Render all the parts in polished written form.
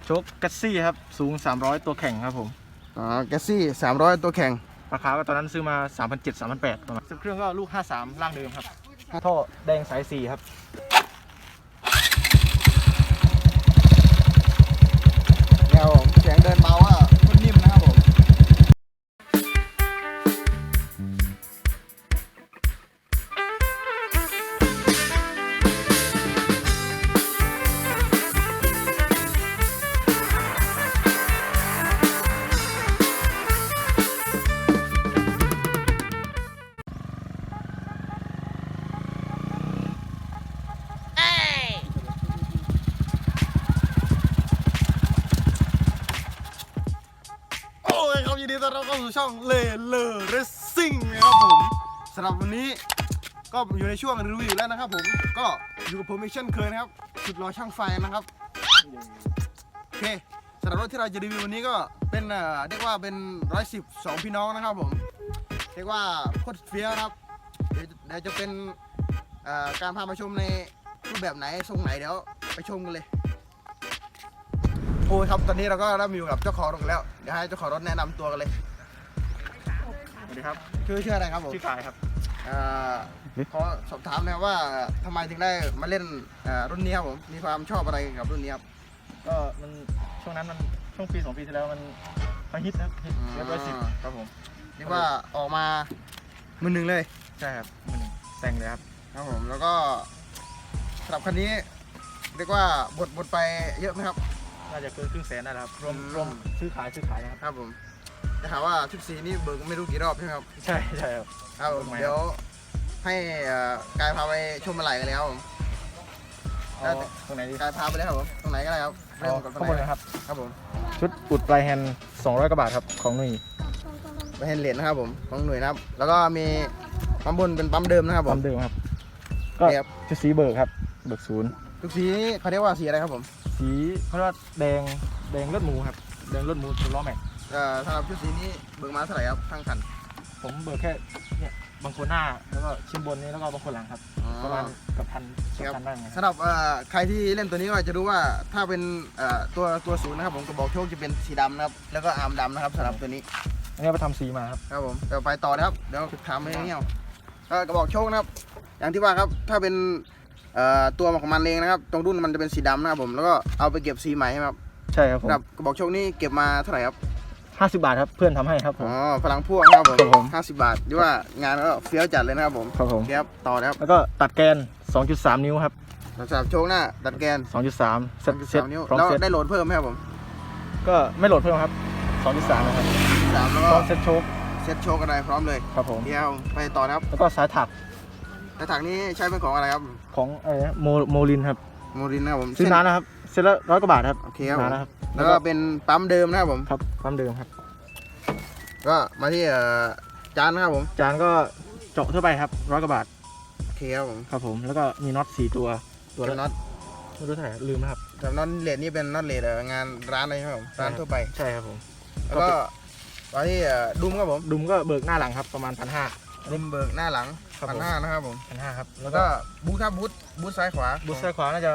ชคแกสซี่ครับสูง300ตัวแข่งครับผมแกสซี่300ตัวแข่งราคาตอนนั้นซื้อมา 3,700 3,800ประมาณเครื่องก็ลูก53ร่างเดิมครับท่อแดงสาย4ครับเนี่ยผมเสียงเดินเบาอ่ะคนนิ่มนะครับผมยินดีต้อนรับเข้าสู่ช่องเลเรสซิ่งนะครับผมสำหรับวันนี้ก็อยู่ในช่วงรีวิวแล้วนะครับผมก็อยู่กับผมอีกเช่นเคยนะครับสุดรอช่างไฟนะครับโอเคสำหรับรถที่เราจะรีวิววันนี้ก็เป็นเรียกว่าเป็น110 2พี่น้องนะครับผมเรียกว่าโคตรเฟี้ยวครับเดี๋ยวจะเป็นการพามาชมในรูปแบบไหนทรงไหนเดี๋ยวไปชมกันเลยโอ้ยครับตอนนี้เราก็ได้มาอยู่กับเจ้าของรถแล้วเดี๋ยวให้เจ้าของรถแนะนำตัวกันเลยสวัสดีครับชื่ออะไรครับผมชื่อกายครับขอสอบถามนะครับว่าทำไมถึงได้มาเล่นรุ่นนี้ครับผมมีความชอบอะไรกับรุ่นนี้ครับก็มันช่วงนั้นมันช่วงปี2 ปีที่แล้วมันฮิตนะฮิต110ครับผมเรียกว่าออกมามือหนึ่งเลยใช่ครับมือหนึ่งแต่งเลยครับครับผมแล้วก็สำหรับคันนี้เรียกว่าบดไปเยอะไหมครับน่าจะเกิน100,000ได้แล้วครับรวมซื้อขายนะครับครับผมจะถามว่าชุดสีนี่เบิกไม่รู้กี่รอบใช่ไหมครับใช่ครับครับผมเดี๋ยวให้กายพาไปชมอะไรกันเลยครับผมตรงไหนดีกายพาไปเลยครับผมตรงไหนก็ได้ครับเริ่มกับข้างบนเลยครับครับผมชุดอุดปลายแฮนด์200 กว่าบาทครับของหนุ่ยปลายแฮนด์เหรียญนะครับผมของหนุ่ยนะครับแล้วก็มีปั๊มบนเป็นปั๊มเดิมนะครับผมปั๊มเดิมครับก็ชุดสีเบิกครับเบิก0 ทุกสีเขาเรียกว่าสีอะไรครับผมสีเขาเรียกว่าแดงเลือดหมูครับแดงเลือดหมูตัวล้อแม็กสำหรับชุดสีนี้เบิกมาเท่าไหร่ครับทั้งคันผมเบิกแค่เนี่ยบางคนหน้าแล้วก็ชิ้นบนนี้แล้วก็บางคนหลังครับประมาณกับพันได้ไงสำหรับใครที่เล่นตัวนี้ก็จะรู้ว่าถ้าเป็นตัวศูนย์นะครับผมกระบอกโชคจะเป็นสีดำนะครับแล้วก็อาร์มดำนะครับสำหรับตัวนี้อันนี้ไปทำสีมาครับครับผมเดี๋ยวไปต่อนะครับเดี๋ยวถามไปเงี้ยกระบอกโชคนะครับอย่างที่ว่าครับถ้าเป็นตัวของมันเองนะครับตรงรุ่นมันจะเป็นสีดำนะครับผมแล้วก็เอาไปเก็บสีใหม่ครับใช่ครับผมกระบอกโชคนี่เก็บมาเท่าไหร่ครับ 50 บาทครับเพื่อนทำให้ครับผมพลังพ่วงครับผม50 บาทที่ว่างานก็เฟี้ยวจัดเลยนะครับผมครับผมครับต่อนะครับแล้วก็ตัดแกน 2.3 นิ้วครับสำหรับโชคหน้าตัดแกน 2.3 เซ็ตนิ้วแล้วได้โหลดเพิ่มไหมครับผมก็ไม่โหลดเพิ่มครับ 2.3 นะครับ 3แล้วก็เซ็ตโชคอะไรพร้อมเลยครับผมเดี๋ยวไปต่อนะครับแล้วก็สายถักนี้ใช้เป็นของอะไรครับของโมลินครับโมลินนะครับผมซื้อนานนะครับเซ็ตละ100 กว่าบาทครับโอเคครับแล้วก็เป็นปั๊มเดิมนะครับผมครับปั๊มเดิมครับก็มาที่จานนะครับผมจานก็เจาะทั่วไปครับ100 กว่าบาทโอเคครับผมครับผมแล้วก็มีน็อต4 ตัวละน็อตไม่รู้เท่าไหร่ลืมนะครับแต่น็อตเลดนี่เป็นน็อตเลดงานร้านอะไรครับผมร้านทั่วไปใช่ครับผมแล้วก็มาที่ดุมครับผมดุมก็เบิกหน้าหลังครับประมาณ1,500 ดุมเบิกหน้าหลัง1,500นะครับผม 1,500ครับแล้วก็บูทซ้ายขวาน่าจะ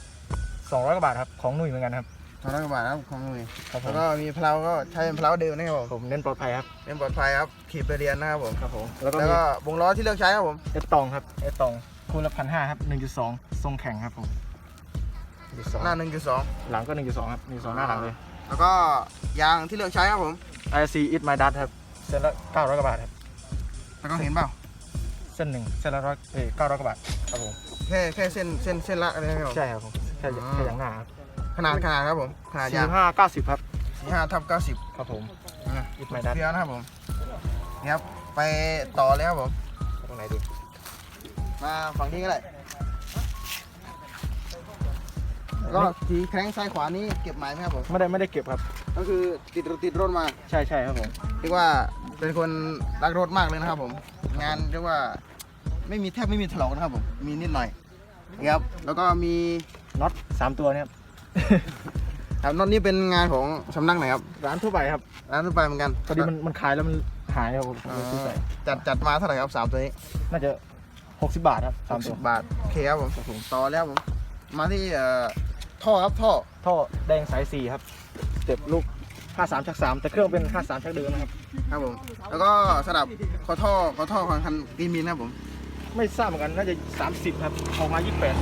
200 กว่าบาทครับของหนุ่ยเหมือนกันครับ 200 กว่าบาทครับของหนุ่ยแล้วก็มีเพลาก็ใช้เป็นเพลาเดิมนะครับผมเน้นปลอดภัยครับขี่ไปเรียนนะครับผมครับผมแล้วก็วงล้อที่เลือกใช้ครับผมเอสตองครับเอสตองคูณละ1,500ครับ 1.2 ทรงแข็งครับผมหน้า 1.2 หลังก็ 1.2 ครับ1.2 หน้าหลังเลยแล้วก็ยางที่เลือกใช้ครับผม IC It My Dust ครับเส้นละ900 กว่าบาทครับแล้วก็เห็นเปล่าเส้นละ900 กว่าบาทครับผมแค่เส้นละอะไรครับใช่ครับผมแค่อย่างหน้าครับขนาดครับผมขนาดยาง 45/90ครับ 45/90 ครับผม It My Dust เพี้ยนะครับผมนี่ครับไปต่อเลยครับผมตรงไหนดีมาฝั่งนี้ก็ได้ก็ทีแข้งซ้ายขวานี้เก็บหมายไหมครับผมไม่ได้เก็บครับก็คือติดรถมาใช่ครับผมเรียกว่าเป็นคนรักรถมากเลยนะครับผมงานเรียกว่าแทบไม่มีถลอกนะครับผมมีนิดหน่อยครับแล้วก็มีน็อต3 ตัวเนี่ยครับน็อตนี้เป็นงานของสำนักไหนครับร้านทั่วไปครับร้านทั่วไปเหมือนกันพอดีมันขายแล้วมันหายครับผมจัดมาเท่าไหร่ครับ3 ตัวนี้น่าจะ60 บาทครับ 60 บาทโอเคครับผมต่อแล้วผมมาที่ท่อครับท่อท่อแดงสาย4ครับสเต็ปลูก53/3แต่เครื่องเป็น53ชักเดิมนะครับครับผมแล้วก็สลับคอท่อของคันกี่มิลนะครับผมไม่ทราบเหมือนกันน่าจะ30ครับออกมา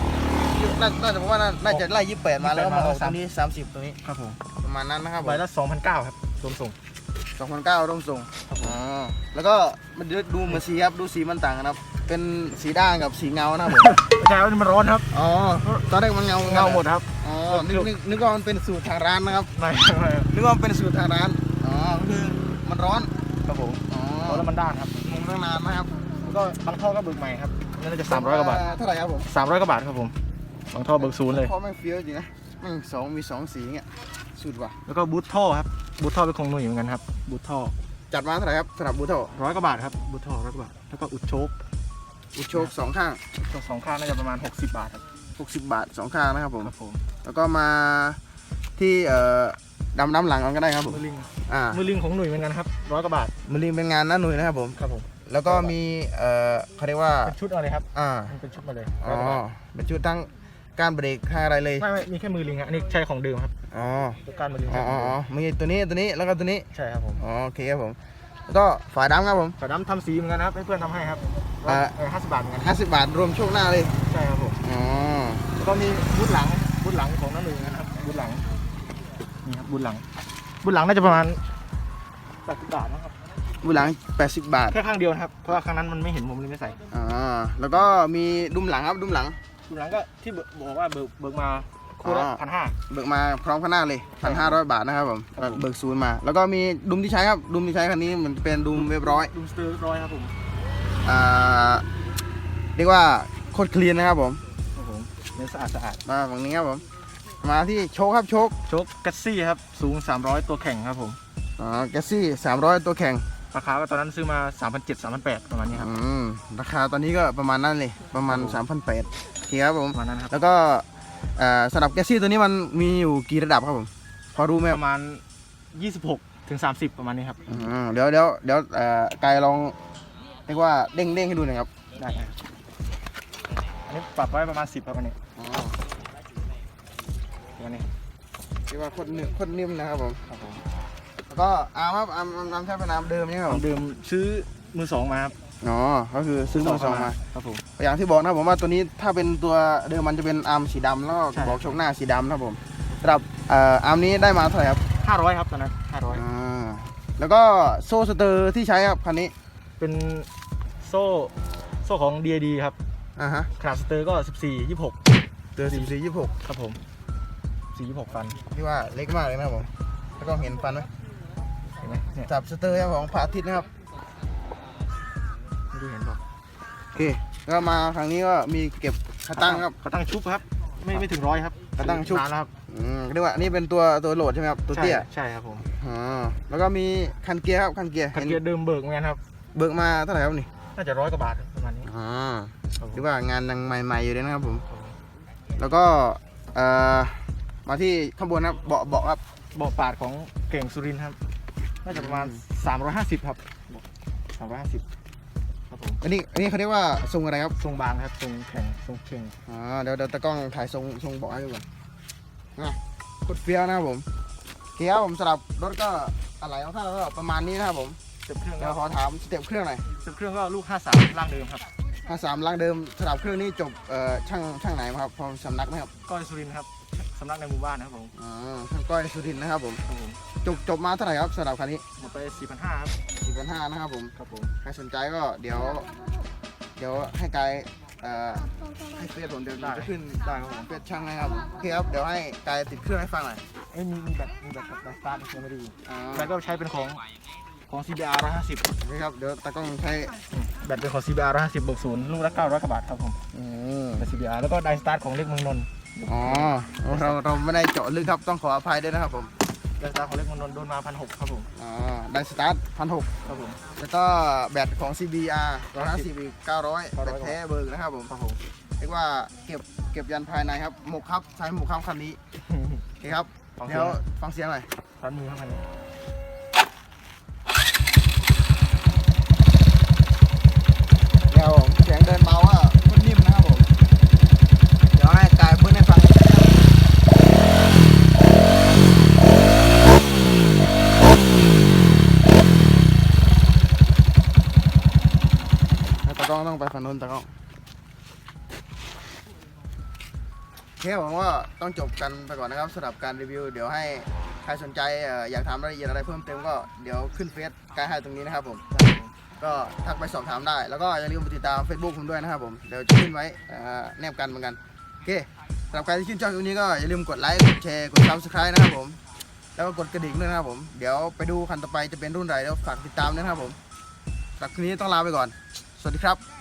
28 น่าจะบอกว่าน่าจะไล่28มาแล้วก็มาออกตรงนี้30ตรงนี้ครับผมประมาณนั้นนะครับผมใบละ2,900ครับรวมส่ง 2,900ร่วมส่งอ๋อแล้วก็มันดูเหมือนสีครับดูสีมันต่างกันครับเป็นสีด่างกับสีเงานะครับผมไม่ใช่ว่ามันร้อนครับอ๋อตอนแรกมันเงาเงาหมดครับอ๋อนึกว่ามันเป็นสูตรทางร้านนะครับไม่นึกว่ามันเป็นสูตรทางร้านอ๋อก็คือมันร้อนครับผมอ๋อร้อนแล้วมันด้านครับมันตั้งนานนะครับแล้วก็บางท่อก็เบิกใหม่ครับน่าจะ300 กว่าบาทเท่าไหร่ครับผม 300 กว่าบาทครับผมบางท่อเบิกศูนย์เลยเพราะแม่งเฟี้ยวจริงนะแม่งมีสองสีเงี้ยสุดว่ะแล้วก็บูทท่อครับบูทท่อเป็นของหนุ่ยเหมือนกันครับบูทท่อจัดมาเท่าไหร่ครับสำหรับบูโต 100 กว่าบาทครับบูทท่อ100 กว่าบาทแล้วก็อุดโชคอุดโชคสองข้างตัว2ข้างน่าจะประมาณ60 บาทครับ 60 บาทสองข้างนะครับผมครับผมแล้วก็มาที่ดำหลังกันก็ได้ครับผมมือลิงมือลิงของหนุ่ยเหมือนกันครับ100 กว่าบาทมือลิงเป็นงานน้าหนุ่ยนะครับผมครับผมแล้วก็มีเขาเรียกว่าเป็นชุดอะไรครับอ่ามันเป็นชุดมาเลยอ๋อเป็นชุดทั้งการเบรกทั้งอะไรเลยไม่มีแค่มือลิงครับอันนี้ใช่ของเดิมครับอ๋อตัวการมือลิงอ๋อมีตัวนี้แล้วก็ตัวนี้ใช่ครับผมอ๋อโอเคครับผมแล้วก็ฝาดำครับผมฝาดำทำสีเหมือนกันนะครับให้เพื่อนทำให้ครับ 50 บาทเหมือนกัน 50 บาทรวมโชคหน้าเลยใช่ครับผมอ๋อแล้วก็มีบูทหลังของน้าหนุ่ยนะครับบูทหลังนี่ครับบูทหลังน่าจะประมาณ80 บาทนะครับบูหลัง80 บาทแค่ข้างเดียวนะครับเพราะว่าข้างนั้นมันไม่เห็นผมเลยไม่ใส่อ๋อแล้วก็มีดุมหลังครับดุมหลังบูทหลังก็ที่บอกว่าเบิกมาคู่ละ 1,500 เบิกมาพร้อมข้างหน้าเลย 1,500 บาทนะครับผมครับผมเบิกศูนย์มา แล้วก็มีดุมที่ใช้ครับดุมที่ใช้คันนี้มันเป็นดุมเรียบร้อยดูสเตอร์ร้อยครับผมอ่าเรียกว่าโคตรคลีนนะครับผมครับผมเนื้อสะอาดมาฝั่งนี้ครับผมมาที่โชคครับโชคโชคกัสซี่ครับสูง300ตัวแข่งครับผมแกสซี่300 ตัวแข่งราคาก็ตอนนั้นซื้อมา 3,700 3,800ประมาณนี้ครับราคาตอนนี้ก็ประมาณนั้นเลยประมาณ 3,800โอเคครับผมประมาณนั้นครับแล้วก็สำหรับแกสซี่ตัวนี้มันมีอยู่กี่ระดับครับผมพอรู้ไหมคปรับระมาณ 26 ถึง 30 ประมาณนี้ครับเดี๋ยวกายลองเรียกว่าเด้งให้ดูหน่อยครับได้ครับอันนี้ปรับไว้ประมาณ 10 ครับอันนี้อันนี้เรียกว่าโคตรนิ่มนะครับผมครับผมแล้วก็อาร์มครับอาร์มใช้เป็นอาร์มเดิมนี่ครับผมเดิมซื้อมือ 2 มาครับอ๋อก็คือซื้อมือสองมาครับผมอย่างที่บอกนะครับผมว่าตัวนี้ถ้าเป็นตัวเดิมมันจะเป็นอาร์มสีดำแล้วก็ใช่บอกโชคหน้าสีดำนะครับผมสำหรับอาร์มนี้ได้มาเท่าไหร่ครับ 500ครับตอนนั้น500 แล้วก็โซ่สเตอร์ที่ใช้ครับคันนี้เป็นโซ่ของ DID ครับฮะขนาดสเตอร์ก็ 14 26 เตอร์14 ครับผม426ฟัน 26ที่ว่าเล็กมากเลยนะครับผมแล้วก็เห็นฟันไหมเห็นไหมเนี่ยจับสเตอร์ของพระอาทิตย์นะครับไม่รู้เห็นเปล่าโอเคแล้วมาครั้งนี้ก็มีเก็บขาตั้งครับขาตั้งชุบครับไม่ถึง100ครับขาตั้งชุบนานแล้วครับเรียกว่าอันนี้เป็นตัวโหลดใช่ไหมครับตัวเตี้ยใช่ครับผมแล้วก็มีคันเกียร์ครับคันเกียร์คันเกียร์เดิมเบิกเหมือนกันครับเบิกมาเท่าไหร่ครับนี่น่าจะ100 กว่าบาทประมาณนี้หรือว่างานยังใหม่ๆอยู่เลยนะครับผม แล้วก็มาที่ข้างบนครับเบาะครับเบาะปาดของเก่งสุรินทร์ครับน่าจะประมาณ350ครับ350ครับผมอันนี้เขาเรียกว่าทรงอะไรครับทรงบางครับทรงแข็งทรงเข่งเดี๋ยวตะกล้องถ่ายทรงเบาะให้ดูก่อนโคตรเฟี้ยวนะครับผมโอเคครับผมสำหรับรถก็อะไรของท่านก็ประมาณนี้นะครับผมสเต็ปเครื่องเดี๋ยวขอถามสเต็ปเครื่องหน่อยสเต็ปเครื่องก็ลูก53ล่างเดิมครับ 53ล้างเดิมสำหรับเครื่องนี้จบช่างไหนมาครับพอสำนักไหมครับก้อยสุรินทร์ครับสำนักในหมู่บ้านนะครับผมช่างก้อยสุรินทร์นะครับผมครับผมจบมาเท่าไหร่ครับสำหรับคันนี้หมดไป 4,500ครับ 4,500นะครับผมครับผมใครสนใจก็เดี๋ยวให้กายให้เฟซผมเดี๋ยวจะขึ้นได้ครับผมเฟซช่างให้ครับผมโอเคครับเดี๋ยวให้กายติดเครื่องให้ฟังหน่อยมีแบตกับสตาร์ทยังไม่ดีแบตก็ใช้เป็นของ CBR 150 นี่ครับเดี๋ยวตากล้องใช้แบตเป็นของ CBR 150เบิกศูนย์ลูกละ900 กว่าบาทครับผมแบต CBR แล้วก็ไดสตาร์ทของเล็กเมืองนนท์เราไม่ได้เจาะลึกครับต้องขออภัยด้วยนะครับผมไดสตาร์ทของเล็กเมืองนนท์โดนมา 1,600 ครับผมได้สตาร์ท1,600 ครับผมแล้วก็แบตของ CBR 150อีก900แบตแท้เบิร์กนะครับผมครับผมเรียกว่าเก็บยันภายในครับหมกครับใช้หมกครับคันนี้โอเคครับเดี๋ยวฟังเสียงหน่อยตัดมือครับคันนี้เดี๋ยวผมเสียงเดินเบาว่ามันนิ่มนะครับผมเดี๋ยวให้กายเบิ้ลให้ฟังต้องไปฝั่งนู้นตากล้องโอเคผมว่าต้องจบกันไปก่อนนะครับสำหรับการรีวิวเดี๋ยวให้ใครสนใจอยากถามรายละเอียดอะไรเพิ่มเติมก็เดี๋ยวขึ้นเฟซกายให้ตรงนี้นะครับผมก็ทักไปสอบถามได้แล้วก็อย่าลืมไปติดตาม Facebook ผมด้วยนะครับผมเดี๋ยวจะขึ้นไว้แนบกันเหมือนกันโอเคสำหรับใครที่ชื่นชอบคลิปนี้ก็อย่าลืมกดไลค์กดแชร์กด Subscribe นะครับผมแล้วก็กดกระดิ่งด้วยนะครับผมเดี๋ยวไปดูคันต่อไปจะเป็นรุ่นไหนแล้วฝากติดตามด้วยนะครับผมสำหรับคลิปนี้ต้องลาไปก่อนสวัสดีครับ